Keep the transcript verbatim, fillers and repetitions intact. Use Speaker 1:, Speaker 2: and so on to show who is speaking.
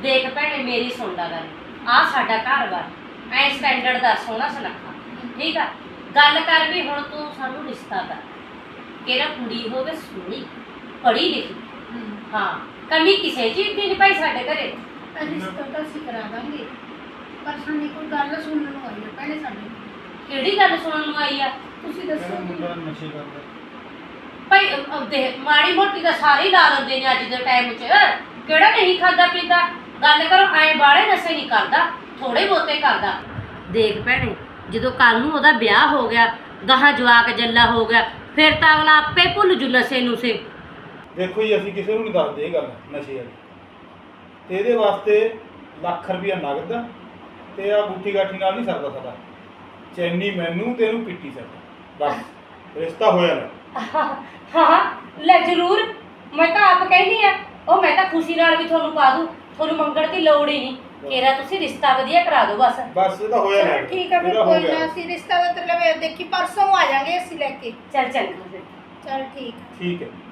Speaker 1: ਦੇਖ ਭੈਣੇ ਮੇਰੀ ਸੁਣ ਲਾ ਗੱਲ, ਆ ਸਾਡਾ ਘਰ ਵਾ ਐ ਸਟੈਂਡਰਡ ਦਾ ਸੋਹਣਾ ਸੁਨੱਖਾ, ਠੀਕ ਆ। ਗੱਲ ਕਰ ਵੀ ਹੁਣ ਤੂੰ ਸਾਨੂੰ ਰਿਸ਼ਤਾ ਕਰ, ਕਿਹੜਾ ਕੁੜੀ ਹੋਵੇ ਸੋਹਣੀ ਪੜ੍ਹੀ ਲਿਖੀ, ਹਾਂ ਕਮੀ ਕਿਸੇ ਚੀਜ਼ ਦੀ ਨਹੀਂ ਭਾਈ ਸਾਡੇ ਘਰੇ।
Speaker 2: ਰਿਸ਼ਤਾ ਤਾਂ ਅਸੀਂ ਕਰਾ ਦਾਂਗੇ, ਪਰ ਸਾਨੂੰ ਕੋਈ ਗੱਲ ਸੁਣਨ ਨੂੰ ਆਈ ਹੈ ਭੈਣੇ ਸਾਡੇ।
Speaker 1: ਕਿਹੜੀ ਗੱਲ ਸੁਣਨ ਨੂੰ ਆਈ ਆ?
Speaker 2: ਤੁਸੀਂ ਦੱਸੋ
Speaker 3: ਮੁੰਡਾ ਨਸ਼ੇ ਕਰਦਾ।
Speaker 1: ਭਾਈ ਅਹ ਦੇਖ ਮਾੜੀ ਮੋਟੀ ਤਾਂ ਸਾਰੇ ਹੀ ਲਾ ਲੈਂਦੇ ਨੇ ਅੱਜ ਦੇ ਟਾਈਮ 'ਚ, ਕਿਹੜਾ ਨਹੀਂ ਖਾਂਦਾ ਪੀਂਦਾ। ਗੱਲ ਕਰੋ ਐ ਬਾੜੇ ਨਸ਼ੇ ਨਹੀਂ ਕਰਦਾ, ਥੋੜੇ ਬਹੁਤੇ ਕਰਦਾ। ਦੇਖ ਭੈਣੇ ਜਦੋਂ ਕੱਲ ਨੂੰ ਉਹਦਾ ਵਿਆਹ ਹੋ ਗਿਆ, ਗਾਹਾਂ ਜਵਾਕ ਜੱਲਾ ਹੋ ਗਿਆ, ਫਿਰ ਤਾਂ ਅਗਲਾ ਆਪੇ ਭੁੱਲ ਜੂ ਨਸ਼ੇ ਨੂੰ ਸੇ।
Speaker 3: ਦੇਖੋ ਜੀ ਅਸੀਂ ਕਿਸੇ ਨੂੰ ਨਹੀਂ ਦੱਸਦੇ ਇਹ ਗੱਲ ਨਸ਼ੇ ਵਾਲੀ, ਤੇ ਇਹਦੇ ਵਾਸਤੇ ਲੱਖ ਰੁਪਇਆ ਨਗਦ ਤੇ ਆ ਬੂਟੀ ਗਾਠੀ ਨਾਲ ਨਹੀਂ ਸਰਦਾ ਸਾਡਾ। ਚੈਨੀ ਮੈਨੂੰ ਤੇ ਇਹਨੂੰ ਪੀਟੀ ਸਕਦਾ, ਬਸ ਰਿਸ਼ਤਾ ਹੋਇਆ ਨਾ।
Speaker 1: ਹਾਂ ਲੈ ਜ਼ਰੂਰ, ਮੈਂ ਤਾਂ ਆਪ ਕਹਿੰਦੀ ਆ, ਉਹ ਮੈਂ ਤਾਂ ਖੁਸ਼ੀ ਨਾਲ ਵੀ ਤੁਹਾਨੂੰ ਪਾ ਦੂੰ, ਤੁਹਾਨੂੰ ਮੰਗਣ ਦੀ ਲੋੜ ਹੀ ਨਹੀਂ। ਕਿਹੜਾ ਤੁਸੀਂ ਰਿਸ਼ਤਾ ਵਧੀਆ ਕਰਾ ਦਿਓ ਬਸ।
Speaker 3: ਬਸ ਇਹ ਤਾਂ ਹੋਇਆ ਨਾ।
Speaker 2: ਚਲੋ ਠੀਕ ਆ ਫਿਰ,
Speaker 3: ਇਹਦਾ ਹੋ
Speaker 2: ਕੋਈ
Speaker 3: ਗਿਆ।
Speaker 2: ਨਾ ਅਸੀਂ ਰਿਸ਼ਤਾ ਦਾ ਮਤਲਬ ਦੇਖੀ ਪਰਸੋਂ ਆ ਜਾਾਂਗੇ ਅਸੀਂ ਲੈ ਕੇ।
Speaker 1: ਚੱਲ ਚੱਲ ਫਿਰ।
Speaker 2: ਚਲ ਠੀਕ।
Speaker 3: ਠੀਕ ਹੈ।